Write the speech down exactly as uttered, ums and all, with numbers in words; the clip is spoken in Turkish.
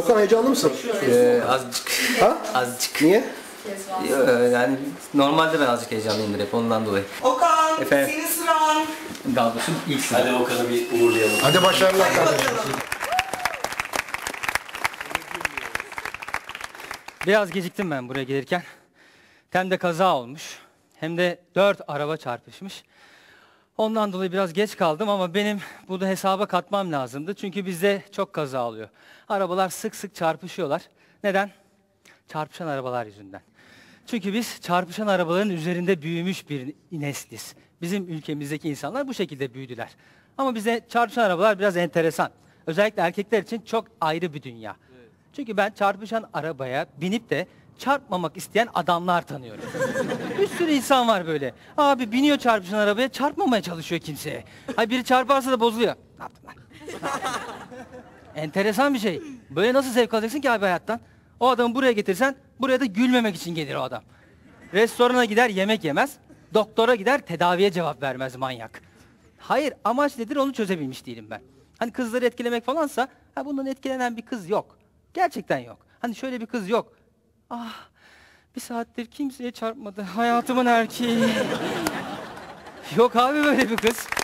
Okan heyecanlı mısın? Ee, azıcık. Ha? Azıcık. Niye? Yo, yani normalde ben azıcık heyecanlıyımdır hep ondan dolayı. Okan, Efendim? senin sıran. Dalgıç'ın ilk sıra. Hadi Okan'ı bir uğurlayalım. Hadi başarılar Hadi kardeşim. bakalım. Biraz geciktim ben buraya gelirken. Hem de kaza olmuş. Hem de dört araba çarpışmış. Ondan dolayı biraz geç kaldım ama benim bunu hesaba katmam lazımdı. Çünkü bizde çok kaza oluyor. Arabalar sık sık çarpışıyorlar. Neden? Çarpışan arabalar yüzünden. Çünkü biz çarpışan arabaların üzerinde büyümüş bir nesliz. Bizim ülkemizdeki insanlar bu şekilde büyüdüler. Ama bize çarpışan arabalar biraz enteresan. Özellikle erkekler için çok ayrı bir dünya. Evet. Çünkü ben çarpışan arabaya binip de çarpmamak isteyen adamlar tanıyorum. Bir sürü insan var böyle. Abi biniyor çarpışan arabaya, çarpmamaya çalışıyor kimseye. Hay biri çarparsa da bozuluyor. Ne yaptın lan? Enteresan bir şey. Böyle nasıl zevk alacaksın ki abi hayattan? O adamı buraya getirsen, buraya da gülmemek için gelir o adam. Restorana gider, yemek yemez. Doktora gider, tedaviye cevap vermez manyak. Hayır, amaç nedir onu çözebilmiş değilim ben. Hani kızları etkilemek falansa, ha bundan etkilenen bir kız yok. Gerçekten yok. Hani şöyle bir kız yok. Ah, bir saattir kimseye çarpmadı. Hayatımın erkeği. Yok abi böyle bir kız.